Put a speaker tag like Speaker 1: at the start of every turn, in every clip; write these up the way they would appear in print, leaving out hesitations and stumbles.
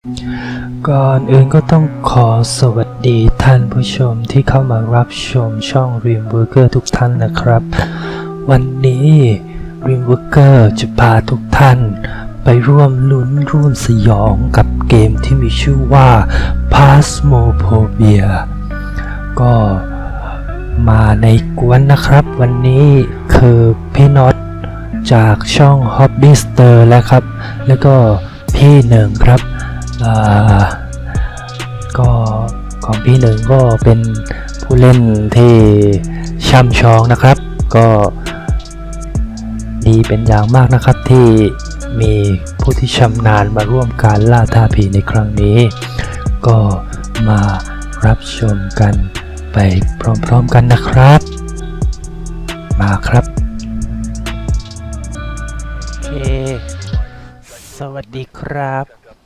Speaker 1: ก่อนอื่นก็ต้องขอสวัสดีท่านผู้ชมที่เข้ามารับชมช่อง Dreamworker ทุกท่านนะครับวันนี้ Dreamworker จะพาทุกท่านไปร่วมลุ้นร่วมสยองกับเกมที่มีชื่อว่า Phasmophobia ก็มาในกวนนะครับวันนี้คือพี่น็อตจากช่อง Hobbyster แล้วก็พี่หนึ่งครับก็ของพี่หนึ่งก็เป็นผู้เล่นที่ช่ำชองนะครับก็ดีเป็นอย่างมากนะครับที่มีผู้ที่ชำนาญมาร่วมการล่าท้าผีในครั้งนี้ก็มารับชมกันไปพร้อมๆกันนะครับมาครับโอเคสวัสดีครับ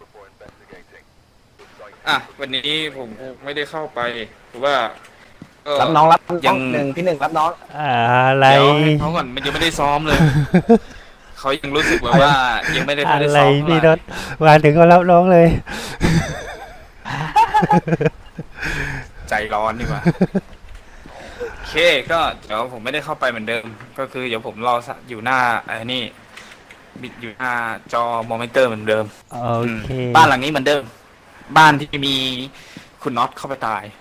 Speaker 2: วันนี้ผมไม่ได้เข้าไปหรือว่า
Speaker 3: รับน้องยังหนึ่งพี่หนึ่งรับน้อง
Speaker 1: อะไร
Speaker 2: เดี๋ยวให้เขาก่อนมันยังไม่ได้ซ้อมเลย เขายังรู้สึกแบบว่ายังไม่ได้ซ้อมอะไร
Speaker 1: พี่รถมาถึงก็รับน้องเลย
Speaker 2: ใจร้อนดีกว่าโอเคก็เดี๋ยวผมไม่ได้เข้าไปเหมือนเดิมก็คือเดี๋ยวผมรออยู่หน้านี่บิดอยู่หน้าจอมอนิเตอร์เหมือนเดิม
Speaker 1: โอเค
Speaker 2: บ้านหลังนี้เหมือนเดิมบ้านที่มีคุณน็อตเข้าไปตาย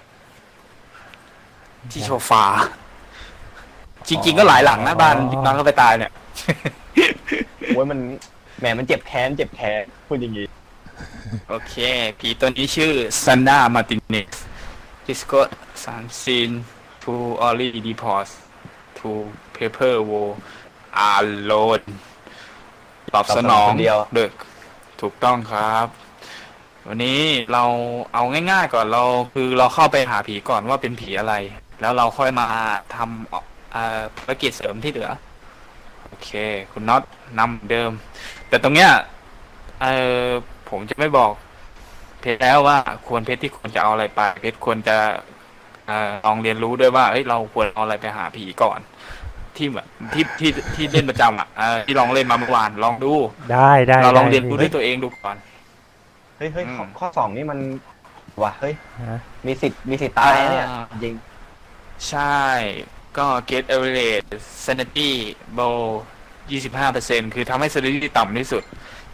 Speaker 2: ที่โซฟาจริงๆก็หลายหลังนะบ้านที่น็อตเข้าไปตายเนี่ย
Speaker 3: โอ้ยมันแหมมันเจ็บแค้นพูดอย่างงี้
Speaker 2: โอเคผีตัวนี้ชื่อซันดามาติเนสดิสโก้ซันซีนทูออลลี่ดีพอสทูเพเปอร์โวอาร์โลนตอบสนองเด็กถูกต้องครับวันนี้เราเอาง่ายๆก่อนเราเข้าไปหาผีก่อนว่าเป็นผีอะไรแล้วเราค่อยมาทำภารกิจเสริมที่เหลือโอเคคุณน็อตนำเดิมแต่ตรงเนี้ยผมจะไม่บอกเพชรแล้วว่าเพชรที่ควรจะเอาอะไรไปเพชรควรจะลองเรียนรู้ด้วยว่าเฮ้ยเราควรเอาอะไรไปหาผีก่อนที่แบบที่เล่นประจำที่ลองเล่นมาเมื่อวานลองดู
Speaker 1: ได้
Speaker 2: เราลองเรียนรู้ด้วยตัวเองดูก่อน
Speaker 3: เฮ้ยข้อสองนี่มันว่ะเฮ้ยมีสิทธิ์ตายเนี่ยจริง
Speaker 2: ใช่ก็ get average sanity bow 25% คือทำให้ sanity ต่ำที่สุด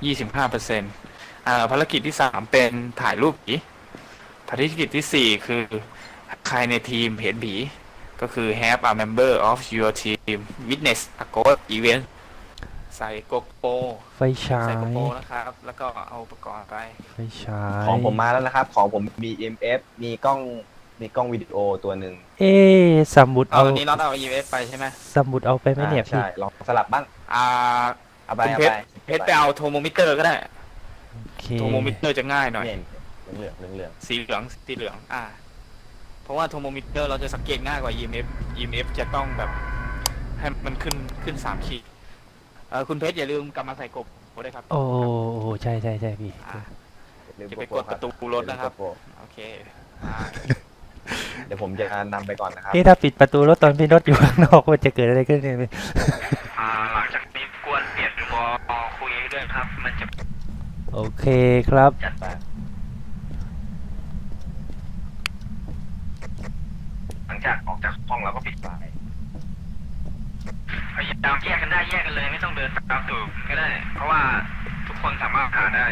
Speaker 2: 25%ภารกิจที่3เป็นถ่ายรูปผีภารกิจที่4คือใครในทีมเห็นผีก็คือ have a member of your team witness a ghost event ใส่โกโปร
Speaker 1: ไฟฉาย
Speaker 2: ใส่โกโปรนะครับแล้วก็เอาอุปกรณ์ไป
Speaker 1: ไฟฉาย
Speaker 3: ของผมมาแล้วนะครับของผมมี EMF มีกล้องวิดีโอตัวหนึ่ง
Speaker 1: สมุดเอา
Speaker 2: วันนี้น็อตเอา EMF ไปใช่ไหม
Speaker 1: สมุดเอาไปไหมเนี่ยพี่
Speaker 3: ใช่ลองสลับบ้างเอาไป
Speaker 2: เพชรไปเอาโทโมมิเตอร์ก็ได้โทโมมิเตอร์จะง่ายหน่อย
Speaker 3: เหลือง
Speaker 2: สีเหลืองเพราะว่าโทโมมิเตอร์เราจะสังเกตง่ายกว่า EMF จะต้องแบบให้มันขึ้น3 ขีดคุณเพชรอย่าลืมกลับมาใส่กบด้วยครับ
Speaker 1: โอ้ใช่พี่
Speaker 2: จะไปกดประตูรถนะครับโอเค
Speaker 3: เดี๋ยวผมจะนำไปก่อนนะครับ
Speaker 1: พี่ถ้าปิดประตูรถตอนพี่รถอยู่ข้างนอกมันจะเกิดอะไรขึ้นเนี่ย
Speaker 2: หลังจากนี้กวนเปลี่ยนวอคุยด้วยครับมันจะ
Speaker 1: โอเคครับ
Speaker 3: จัดไปหลังจากออกจากห้องเราก็ปิดไฟ
Speaker 2: พยายามแยกกันได้แยกกันเลยไม่ต้องเดินตามตูดก็ได้เพราะว่าทุกคนสามารถหาได้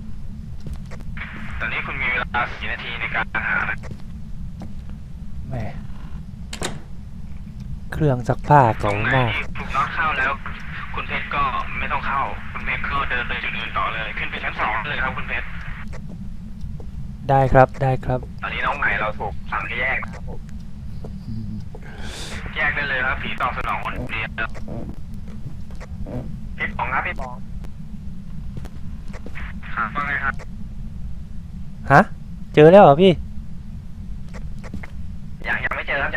Speaker 2: ตอนนี้คุณมีเวลา4 นาทีในการหา
Speaker 1: แหมเครื่องซักผ้าเก่ามาก
Speaker 2: ถูกน็อตเข้าแล้วคุณเพชรก็ไม่ต้องเข้าคุณเพชรก็เดินไปจุดอื่นต่อเลยขึ้นไปชั้น2เลยครับคุณเพชร
Speaker 1: ได้ครับ
Speaker 2: ตอนนี้น้องใหม่เราถูกสั่งให้แยกนะครับผมแยกได้เลยครับผีตอบสนองคนเดียวพี่ปองครับพี่ปองว่าไงครับ
Speaker 1: ฮะเจอแล้วเหรอพี่
Speaker 2: ยังไม่เจอครับ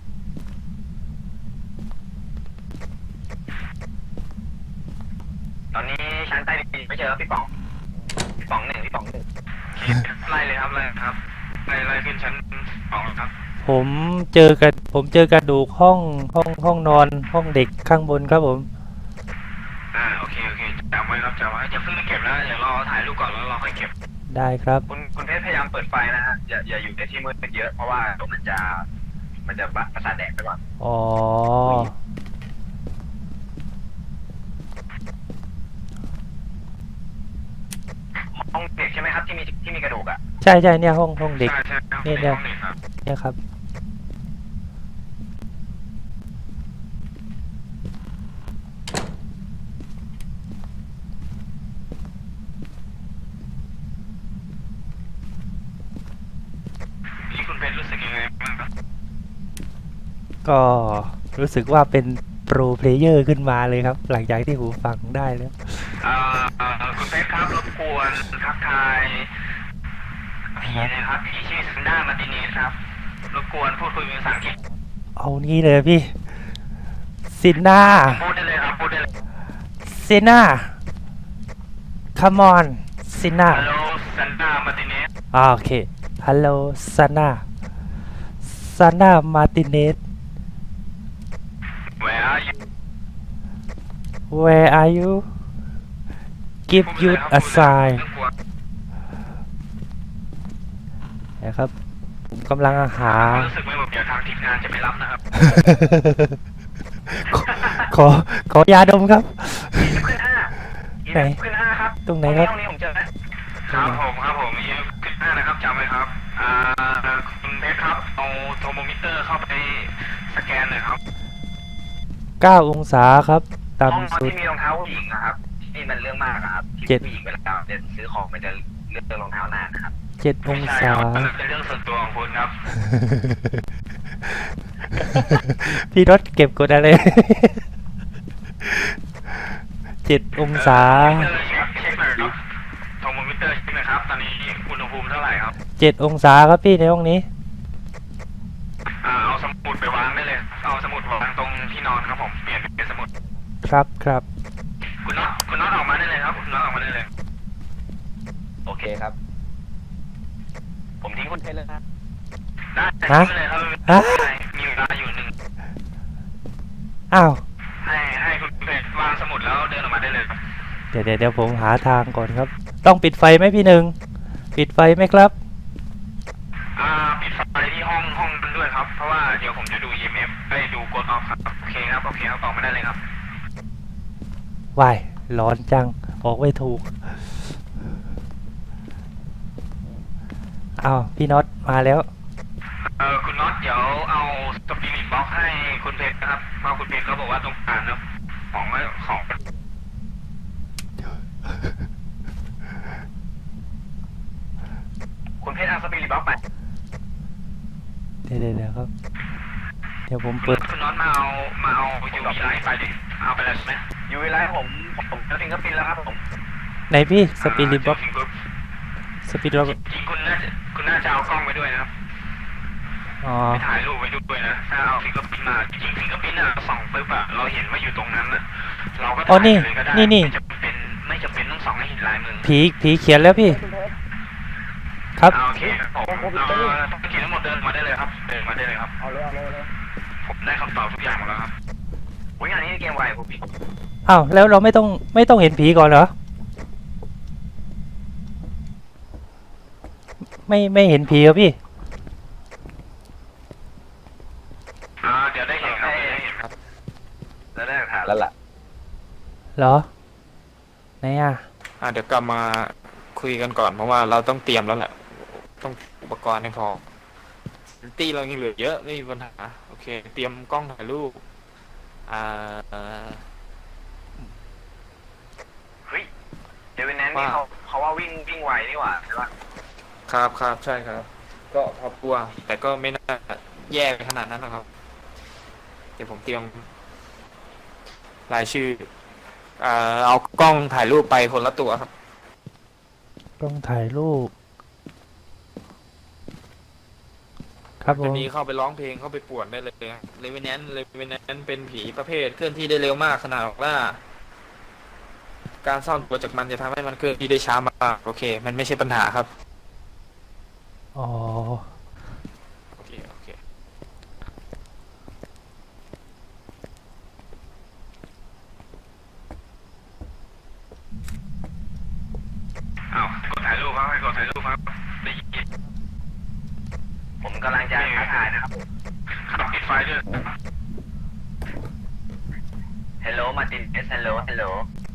Speaker 2: ตอนนี้ชั้นใต้ดินไม่เจอพี่ปองหนึ่งไล่เลยครับไล่ขึ้นชั้น2ครับ
Speaker 1: ผมเจอกระดูกห้องนอนห้องเด็กข้างบนครับผม
Speaker 2: โอเคจำไว้ครับจำไว้จะเพิ่งเก็บนะเดี๋ยวรอถ่ายรูปก่อนแล้วเราค่อยเก็บ
Speaker 1: ได้ครับ
Speaker 3: คุณเพชรพยายามเปิดไฟนะฮะอย่าอยู่ในที่มืดเยอะเพราะว่าเดี๋ยวมันจะประสาทแดกไปก่อน
Speaker 1: อ๋อ
Speaker 3: ห้องเด็กใช่ไหมครับที่มีกระดูกอ่ะ
Speaker 1: ใช่เนี่ยห้องเด็ก
Speaker 3: ใช่
Speaker 1: เนี่ย
Speaker 3: ห้องเด็กครับ
Speaker 1: เนี่ยครับ
Speaker 3: นี่คุณเพชรรู้สึกยังไงบ้างครับ
Speaker 1: ก็รู้สึกว่าเป็นโปรเพลเยอร์ขึ้นมาเลยครับ หลังจากที่หูฟังได้แล้ว
Speaker 3: คุณเพชรครับรบกวนทักทายผีนะครับผีชื่อซันด้ามาร์ติเนสครับรบกวนพูดคุยเป็นภาษาอังกฤษ
Speaker 1: เอานี่เลยพี่ซิน่า
Speaker 3: พูดได้เลยครับพูดได้เลย
Speaker 1: ซิน่า come on ซิน่า
Speaker 3: ฮัลโหลซันด้ามาร์ติเนส
Speaker 1: โอเค ฮัลโหลซาน่าซาน่ามาร์ติเนส
Speaker 3: Where are you
Speaker 1: where are you give you a sign นะครับ ผมกำลังหา
Speaker 3: รู้สึกไม่หมดเดี๋ยวทางทีมงานจะไปรับนะครับ
Speaker 1: ขอยาดมครับ
Speaker 3: ขึ้นห้า
Speaker 1: ไหน
Speaker 3: ขึ้นห้าครับ
Speaker 1: ตรงไหนครับ
Speaker 3: ห้องนี้ผมเจอนะครับผมขึ้นห้านะครับจำไว้ครับคุณเพชรครับเอาโทรโมมิเตอร์เข้าไปสแกนหน่อยครับ
Speaker 1: 9 องศาครับ
Speaker 3: ห้อง
Speaker 1: ต่ำสุด
Speaker 3: ที่มีรองเท้าผู้หญิงนะครับที่มันเรื่องมากอะครับที่
Speaker 1: เจ็ด
Speaker 3: ผู้หญิงเวลาเดินซื้อของมันจะเลือกรองเท้านานนะครับ
Speaker 1: 7 องศา
Speaker 3: มันเป็นเรื่องส่วนตัวของคุณครับ
Speaker 1: พี่รถเก็บกดอะไร 7 องศา
Speaker 3: เช็คหน่อยครับโทรโมมิเตอร์เช็คหน่อยครับตอนนี้อุณหภูมิเท่าไหร่ครับ
Speaker 1: 7 องศาครับพี่ในห้องนี้
Speaker 3: เอาสมุดไปวางได้เลย เอาสมุดวางตรงที่นอนครับผมเปลี่ยนเป็นสมุด
Speaker 1: ครับ
Speaker 3: คุณน็อตออกมาได้เลยครับคุณน็อตออกมาได้เลย โอเคครับ ผมทิ้งคุณเพชรเลยนะได้ทิ้งเลยครับ
Speaker 1: ฮะ
Speaker 3: มีเวลาอยู่หนึ่ง
Speaker 1: อ้าว
Speaker 3: ให้คุณเพชรวางสมุดแล้วเดินออกมาได้เลยครับ
Speaker 1: เดี๋ยวผมหาทางก่อนครับ ต้องปิดไฟไหมพี่หนึ่ง ปิดไฟไหมครับ
Speaker 3: ปิดไฟที่ห้องนั้นด้วยครับ เพราะว่าเดี๋ยวผมจะดู EMF ไปดูกดออฟครับ โอเคครับออกมาได้เลยครับ
Speaker 1: วาย ร้อนจัง ออกไม่ถูก อ้าว พี่น็อตมาแล้ว
Speaker 3: คุณน็อตเดี๋ยวเอาสปิริตบ็อกให้คุณเพชรนะครับเพราะคุณเพชรเขาบอกว่าต้องการนะของคุณเพชรเอาสปิริตบ็อกไป
Speaker 1: เดี๋ยวครับ เดี๋ยวผมเปิด
Speaker 3: คุณน็อตมาเอายูวีไลท์ไปดิเอาไปแล้วใช่ไหมยูวีไลท์ผมจะฟิงเกอร์พินแล้วครับผม
Speaker 1: ไหนพี่สปิริตบ็อกสปิริตบ็อก
Speaker 3: จริงคุณน่าจะเอากล้องไปด้วยนะครับ
Speaker 1: อ๋อ
Speaker 3: ไปถ่ายรูปไว้ด้วยนะถ้าเอาฟิงเกอร์พินมาจริงฟิงเกอร์พินอะส่องปุ๊บอะเราเห็นว่าอยู่ตรงนั้นอะเราก็ถ่ายเลยก็ได้ไม่จำเป็นต้องส่องให้เห็นลายมือ
Speaker 1: ผีเขียนแล้วพี่ ครับ
Speaker 3: โอเคผมต้องเขียนทั้งหมดเดินมาได้เลยครับเดินมาได้เลยครับเอาเลยผมได้คำตอบทุกอย่างหมดแล้วครับงานนี้เกมไวผมพี่
Speaker 1: อ้าว แล้วเราไม่ต้องเห็นผีก่อนเหรอ ไม่เห็นผีเหรอพี่
Speaker 3: เดี๋ยวได้เห็นครับแล้วได้หลักฐานแล้วล่ะ
Speaker 1: เหรอ ไหนอ่ะ
Speaker 2: เดี๋ยวกลับมาคุยกันก่อนเพราะว่าเราต้องเตรียมแล้วแหละต้องอุปกรณ์ให้พอตีเรายังเหลือเยอะไม่มีปัญหาโอเค เตรียมกล้องถ่ายรูป
Speaker 3: เฮ้ยเดวินแนนนี่เขาว่าวิ่งไวนี่หว่าใช่ปะ
Speaker 2: ครับใช่ครับ ก็พอกลัวแต่ก็ไม่น่าแย่ไปขนาดนั้นนะครับเดี๋ยวผมเตรียมรายชื่อเอากล้องถ่ายรูปไปคนละตัวครับ
Speaker 1: กล้องถ่ายรูป ครับผ
Speaker 2: จะ
Speaker 1: ม
Speaker 2: มีเข้าไปร้องเพลงเข้าไปป่วนได้เลยเลเวนแนนเป็นผีประเภทเคลื่อนที่ได้เร็วมากขนาดออกล่าการซ่อนตัวจากมันจะทำให้มันเคลื่อนที่ได้ช้ามากโอเค มันไม่ใช่ปัญหาครับ
Speaker 1: อ๋อ
Speaker 2: โอเค
Speaker 3: กดถ่ายรูปครับให้กดถ่ายรูปครับได้ยินผมกำลังจะท้าทายนะครับขับปิดไฟด้วย Hello Martin S Hello Hello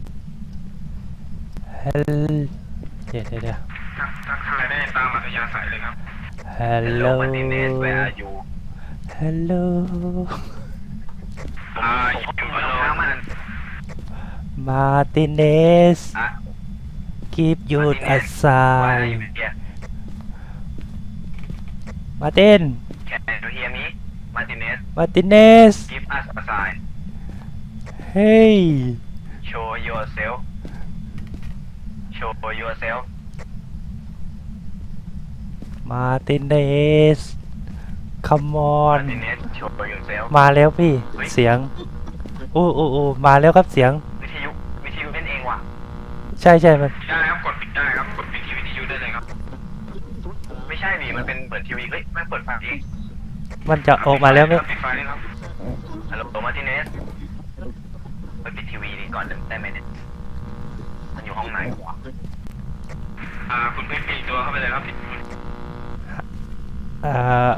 Speaker 1: เดี๋ยว
Speaker 3: ทักทายได้ตามอัธยาศัยเลยครับ
Speaker 1: Hello
Speaker 3: Martin S Where are you
Speaker 1: Hello
Speaker 3: อยู่กับน้องมัน
Speaker 1: Martinez
Speaker 3: อ่ะ
Speaker 1: Keep you
Speaker 3: Martinez Why are
Speaker 1: aside
Speaker 3: you here
Speaker 1: Martin
Speaker 3: Can you hear me Martinez
Speaker 1: Martinez
Speaker 3: Give us a sign
Speaker 1: Hey
Speaker 3: Show yourself Show yourself
Speaker 1: Martinez Come on
Speaker 3: Martinez Show yourself
Speaker 1: มาแล้วพี่
Speaker 3: เฮ้ย
Speaker 1: เสียงโอ้มาแล้วครับเสียง
Speaker 3: วิทยุเล่นเองว่ะ
Speaker 1: ใช่มัน
Speaker 3: ได้ครับกดปิดได้ครับกดปิดที่วิทยุได้เลยครับไม่ใช่ดิมันเป็นเหมือนทีวีเฮ้ยแม่งเปิดไฟเอง
Speaker 1: มันจะออกมาแล้วไหม
Speaker 3: ปิดไฟเลยครับฮัลโหลมาร์ติเนสไปปิดทีวีดีก่อนได้ไหมเนี่ยมันอยู่ห้องไหนวะคุณไปปิดตัวเข้าไปเลยครับ
Speaker 1: อ่า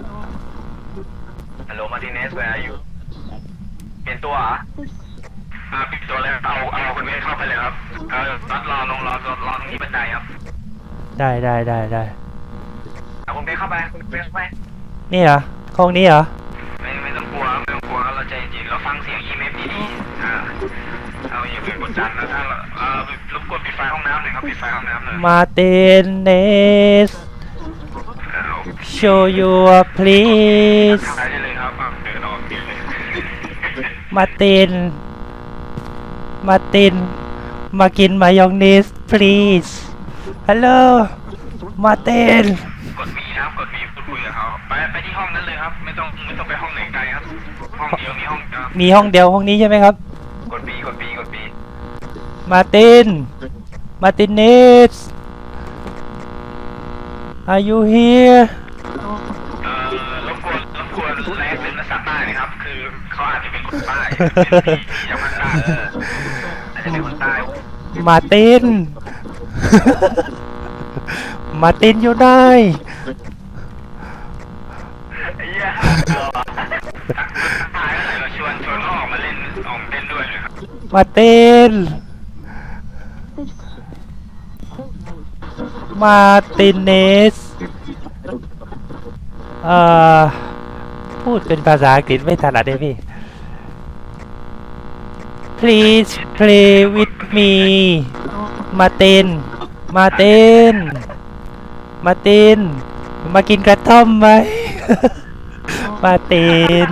Speaker 3: ฮัลโหลมาร์ติเนส where are you เปลี่ยนตัวเหรอปิดตัวแล้วเอาคุณเมฆเข้าไปเลยครับรอตรงนี้บันไดครับ
Speaker 1: ได้
Speaker 3: เอาคุณเมฆเข้าไปคุณเมฆเข้าไป
Speaker 1: นี่เหรอห้องนี้เหรอ
Speaker 3: ไม่ต้องกลัวเราใจเย็นเราฟังเสียง EMF ดีๆเอาอย่าไปกดดันนะถ้ารบกวนปิดไฟห้องน้ำหน่อยครับปิดไฟห้องน้ำหน่อย
Speaker 1: Martinez Show your please
Speaker 3: ถ่ายได้เลยครับเดินออกปิดเลย
Speaker 1: Martin มากินมายองเนส please Hello Martin
Speaker 3: กด V นะครับกด V พูดคุยกับเขาไปที่ห้องนั้นเลยครับไม่ต้องไปห้องไหนไกลครับห้องเดียวมีห้องเดียว
Speaker 1: มีห้องเดียวห้องนี้ใช่ไหมครับ
Speaker 3: กด V
Speaker 1: Martinez Are you here
Speaker 3: รบกวนแรงเป็นภาษาใต้นะครับคือเขาอาจจะเป็นคนใต้อย่างภาษาอาจจะเป็นคนใต้
Speaker 1: Martin อยู่ได้
Speaker 3: ไอ้เหี้ยตายอะไรเราชวนเขาออกมาเล่นด้วยเลยครับ
Speaker 1: Martin พูดเป็นภาษาอังกฤษไม่ถนัดเลยพี่ Please play with me Martin มากินกระท่อมไหม มาติน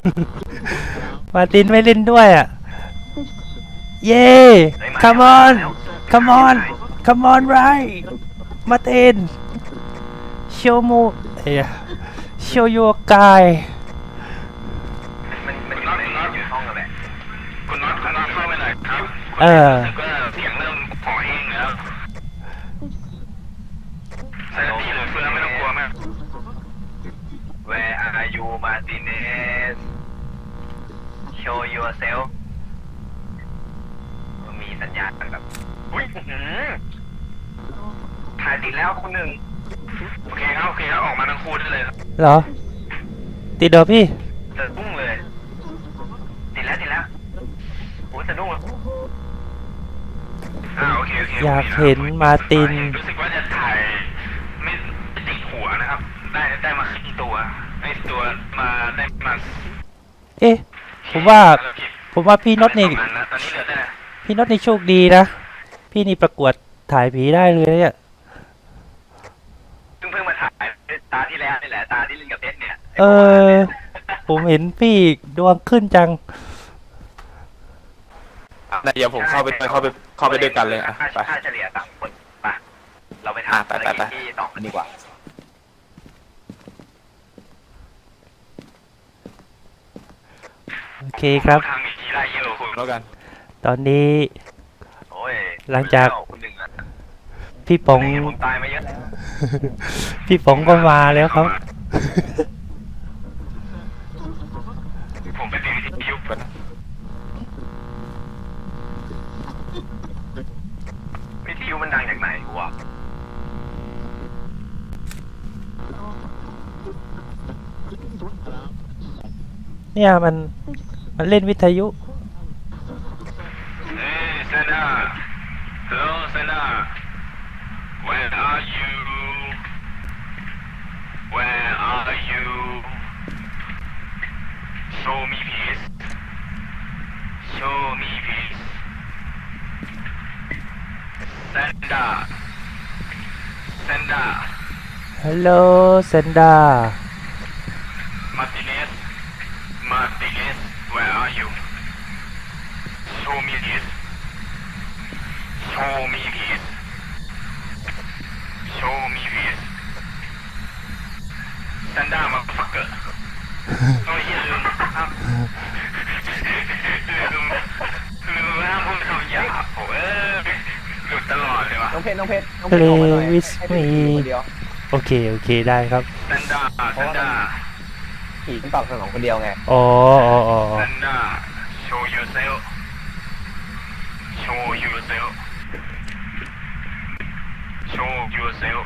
Speaker 1: ไม่เล่นด้วยอ่ะ เย้ come on right มาติน show your guy
Speaker 3: มันอยู่ห้องอะไรคุณน็อตเข้าไปหน่อยครับก็เสียงเริ่มพอเองแล้วใส่พี่หรือเฟืองไม่ต้องกลัวมาก Where are you Martinez Show yourself มีสัญญาณแบบอุ้ยถ่ายติดแล้วคนหนึ่งโอเคครับออกมาทั้งคู่ได้เลยครับ
Speaker 1: เหรอ ติดเหรอพี่
Speaker 3: สะดุ้งเลยติดแล้วโอ้สะดุ้งโอเค
Speaker 1: อยากเห็นมาติน
Speaker 3: รู้สึกว่าจะถ่ายไม่ติดหัวนะครับได้มาครึ่งตัวไอ้ตัวมาได้มา
Speaker 1: เอ๊ะ ผมว่าพี่น็อตนี่
Speaker 3: ตอนนี้เหลือแต่
Speaker 1: พี่น็อตนี่โชคดีนะ พี่นี่ประกวดถ่ายผีได้เลยเนี่ย
Speaker 3: เพิ่งมาถ่ายตาที่แล้วนี่แหละตาที่เล่นกับเพชรเนี่ย
Speaker 1: ผมเห็นพี่ดวงขึ้นจัง
Speaker 2: เดี๋ยวผมเข้าไปด้วยกันเลยอ่ะไป
Speaker 3: ค่าเฉลี่ยต่างคนไปเราไปทำ
Speaker 2: ไป
Speaker 3: ที่ต่อกันดีกว่า
Speaker 1: โอเคครับ
Speaker 3: ทางมีทีไรเยอะคุณ
Speaker 2: แล้วกัน
Speaker 1: ตอนนี้
Speaker 3: โอ้ย
Speaker 1: หลังจาก
Speaker 3: คุณหนึ่งอะ
Speaker 1: พี่ป๋อง
Speaker 3: ผมตายมาเยอะแล้ว
Speaker 1: พี่ป๋องก็มาแล้วครับ
Speaker 3: ผมไปติดวิทยุก่อนวิทยุมันดังจากไหนวะ
Speaker 1: เนี่ยมันเล่นวิทยุ
Speaker 3: Hey, Senna. Hello, Senna. Where are you? Where are you? Show me please. Show me please. Senna. Senna.
Speaker 1: ฮัลโหลเซนดา
Speaker 3: Martinez. Martinez. Where are you? Show me please. Show me please. Show me please. Sanda motherfucker. โอ้ยลืมครับลืมห้ามพูดคำหยาบโอ้ยหลุดตลอดเลยวะ
Speaker 4: น้องเพชรออก
Speaker 1: Play
Speaker 4: มาหน่อย
Speaker 1: with
Speaker 4: ให้
Speaker 1: me
Speaker 4: ผีคนเดียว
Speaker 1: โอเคได้ครับ
Speaker 3: Sanda Sanda
Speaker 4: ผีมันตอบสนองคนเดียวไง
Speaker 1: อ๋อ
Speaker 3: Sanda show yourself show yourself show yourself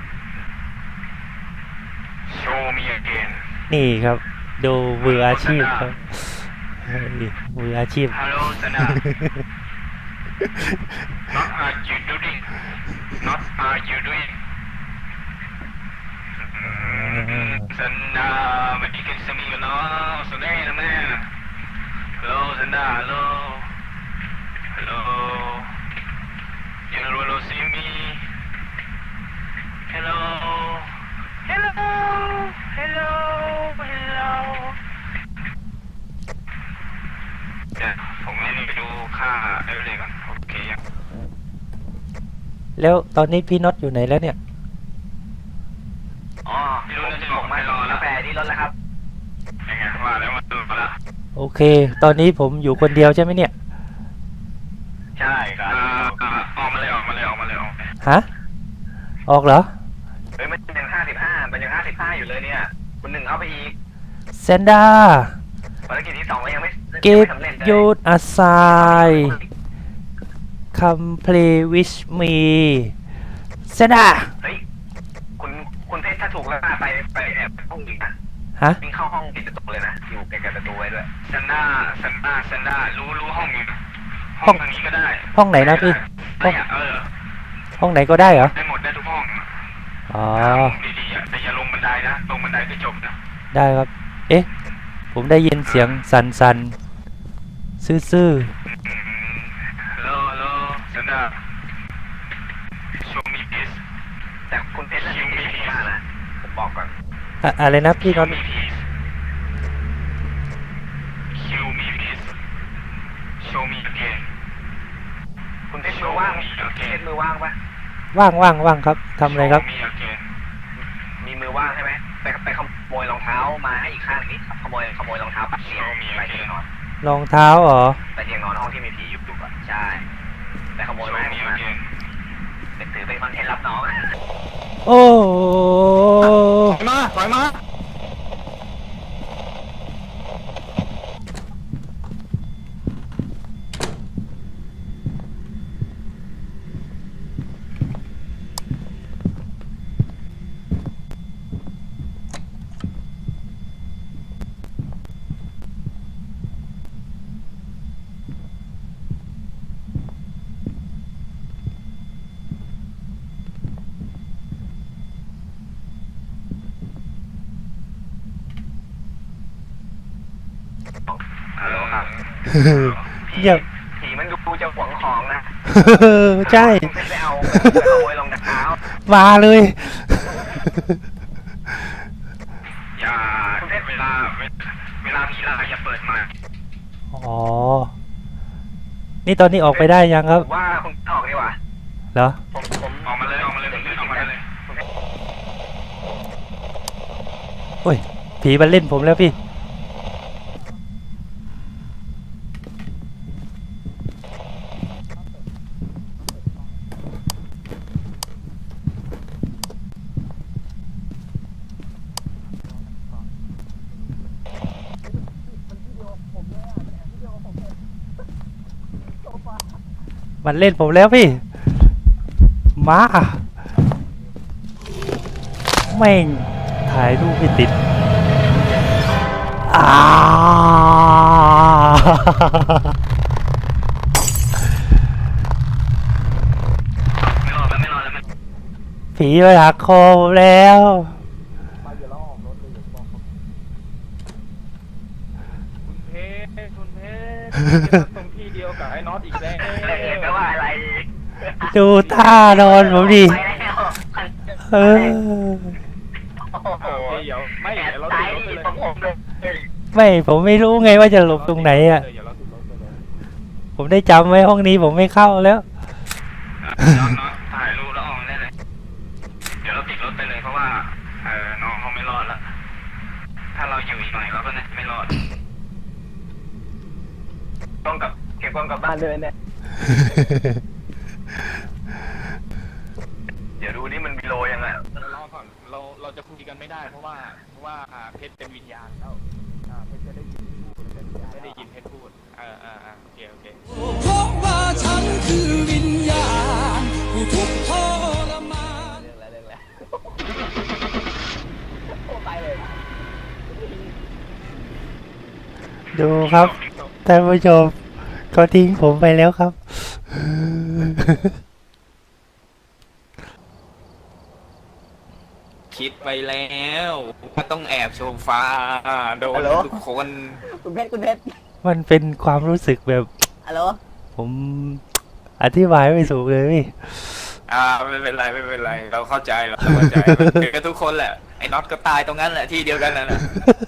Speaker 3: show me again
Speaker 1: นี่ครับ ดูมืออาชีพครับนี่มืออาชีพ
Speaker 3: Hello Sanda Not are you doing Not are you doing Sanda Medical semi no Sunday na man Hello Sanda Hello Hello You will see me Hello Hello Hello Hello เดี๋ยวผมไม่ได้ไปดูค่าเอเวอเรสต์ก่อนโอเคยัง
Speaker 1: แล้วตอนนี้พี่น็อตอยู่ไหนแล้วเนี่ย
Speaker 3: อ๋อพี่รู้แล้วจะบอกไม่รอแล้ว
Speaker 4: กาแฟที่รถแล้วครับ
Speaker 3: ยังไงว่าแล้วมาดูมาละ
Speaker 1: โอเค ตอนนี้ผมอยู่คนเดียวใช่ไหมเนี่ย
Speaker 4: ใช่ครับ
Speaker 3: ออกมาเลยออกมาเลยออกมาเลยออกมาเลย
Speaker 1: ฮะ ออกเหรอ
Speaker 4: เฮ้ยมันยัง55มันยัง55อยู่เลยเนี่ย คุณหนึ่งเข้าไปอีก
Speaker 1: เซนดา
Speaker 4: ภารกิจที่2ก็ยังไม่
Speaker 1: Give
Speaker 4: สำเร็จเลย
Speaker 1: you a sign Come play with me เซนดา
Speaker 4: เฮ้ยคุณเพชรถ้าถูกแล้วไปแอบห้องอีกนะ
Speaker 1: ฮะ
Speaker 4: วิ่งเข้าห้องปิดประตูเลยนะอยู่ใกล้ๆประตูไว้ด้วย
Speaker 3: ซันด้ารู้ห้องอยู่ห้องทางนี้ก็ได้
Speaker 1: ห้องไหนนะพี่ ห้อง
Speaker 3: เนี่ย
Speaker 1: ห้องไหนก็ได้เหรอ
Speaker 3: ได้หมดได้ทุกห้อง
Speaker 1: อ๋อ
Speaker 3: ดีๆแต่อย่าลงบันไดนะลงบันไดก็จบนะ
Speaker 1: ได้ครับ เอ๊ะ ผมได้ยินเสียงสันซื่อ
Speaker 3: Helloซันด้า show me please
Speaker 4: แต่คุณเพชรน่ะไม่ดีมากนะผมบอกก่อน
Speaker 1: ๆอะไรนะพี่น็อ
Speaker 3: show
Speaker 1: ต
Speaker 3: me please show me please show me again
Speaker 4: คุณเพชรมือว่างมือว่างปะ
Speaker 1: ว่างครับทำอะไรครับ
Speaker 3: show me again
Speaker 4: มีมือว่างใช่ไหมไปขโมยรองเท้ามาให้อีกข้างนี้ขโมยรองเท้าปัดเตียงไปเตียงนอน
Speaker 1: รองเท้าเหรอ
Speaker 4: ไปเตียงนอนห้องที่มีผีอยู่ก่อนใช่ไปขโมย
Speaker 3: show
Speaker 4: มาให้ผ
Speaker 3: me
Speaker 4: มมา
Speaker 3: again
Speaker 4: ถือเป็นคอนเทนต์รับน้อง
Speaker 1: โอ้
Speaker 3: ถอยมาฮัลโหลครับ
Speaker 1: เยี่ยม
Speaker 4: ผีมันดูจะหวงของนะ
Speaker 1: ใช่
Speaker 4: คุณไปเอาไปขโมยรองเท้า
Speaker 1: มาเลย
Speaker 3: อย่าเวลาผีล่าอย่าเปิดไมค์
Speaker 1: อ๋อ นี่ตอนนี้ออกไปได้ยังครับ
Speaker 4: ว่าคุณออกดีกว่า
Speaker 1: เหรอ
Speaker 4: ผม
Speaker 3: ออกมาเลยผมเลื่อนออกมาได้เลย
Speaker 1: โอ้ย ผีมันเล่นผมแล้วพี่ มันเล่นผมแล้วพี่ มาแม่งถ่ายรูปไม่ติดอ่า
Speaker 3: ไม่รอดแล้ว
Speaker 1: ผีมาหักคอผมแล้ว
Speaker 2: คุณเพชรตรงที่เดียวกับไอ้น็อตอีกแล้ว
Speaker 3: แปลว่าอะไร
Speaker 1: ดูท่านอนผมดิ
Speaker 3: ไปแล้ว
Speaker 1: เออ
Speaker 3: โอ้โห
Speaker 2: โอเคเดี๋ยวไม่
Speaker 3: แอบ
Speaker 2: เดี๋ยวเรา
Speaker 3: ตา
Speaker 2: ติ
Speaker 3: ย
Speaker 2: ดรถไปเลย
Speaker 3: ผมเลย
Speaker 1: ไม่ผมไม่รู้ไงว่าจะหลบตรงไหนอ่ะ
Speaker 2: เดี๋ยวเราติดรถไปเลย
Speaker 1: ผมได้จำไว้ห้องนี้ผมไม่เข้าแล้ว
Speaker 3: น้องถ่ายรูปแล้วออกได้เลย เดี๋ยวเราติดรถไปเลยเพราะว่าน้องเขาไม่รอดแล้ว ถ้าเราอยู่อีกหน่อยเราก็น่าจะไม่รอดต้องกับเก็บกล้องกลับบ้านเลยเนี่ย เดี๋ยวดูนี่มันมีโลยังไง
Speaker 2: รอก่อนเราจะคุยกันไม่ได้เพราะว่าเพชรเป็นวิญญาณแล้วเพชรจะได้ยินพูดไม่ได้ยินเพชรพูดโอเค
Speaker 5: เพราะว่าฉันคือวิญญาณผู้ทุกข์ทรมาน
Speaker 4: เรื่องแล้วโอ้ไปเลย
Speaker 1: ดูครับท่านผู้ชมเขาทิ้งผมไปแล้วครับ
Speaker 2: คิดไปแล้วว่าต้องแอบโซฟาโดนทุกคน
Speaker 4: คุณเพชร
Speaker 1: มันเป็นความรู้สึกแบบ
Speaker 4: ฮัลโหล
Speaker 1: ผมอธิบายไม่ถูกเลยพี่
Speaker 2: ไม่เป็นไรเราเข้าใจเกิดกันทุกคนแหละไอ้น็อตก็ตายตรงนั้นแหละที่เดียวกันนั่นแหละ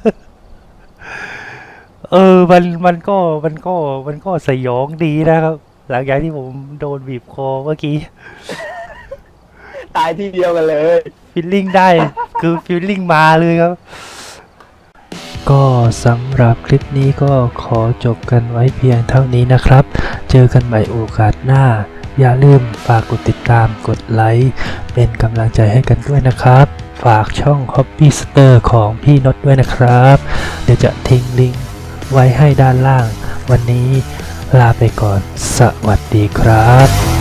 Speaker 1: มันก็สยองดีนะครับ หลังจากที่ผมโดนบีบคอเมื่อกี้
Speaker 4: ตายที่เดียวกันเลย
Speaker 1: ฟีลลิ่งได้คือฟีลลิ่งมาเลยครับ ก็สำหรับคลิปนี้ก็ขอจบกันไว้เพียงเท่านี้นะครับ เจอกันใหม่โอกาสหน้า อย่าลืมฝากกดติดตามกดไลค์เป็นกำลังใจให้กันด้วยนะครับ ฝากช่อง Hobby Star ของพี่นดด้วยนะครับ เดี๋ยวจะทิ้งลิงก์ไว้ให้ด้านล่าง วันนี้ลาไปก่อน สวัสดีครับ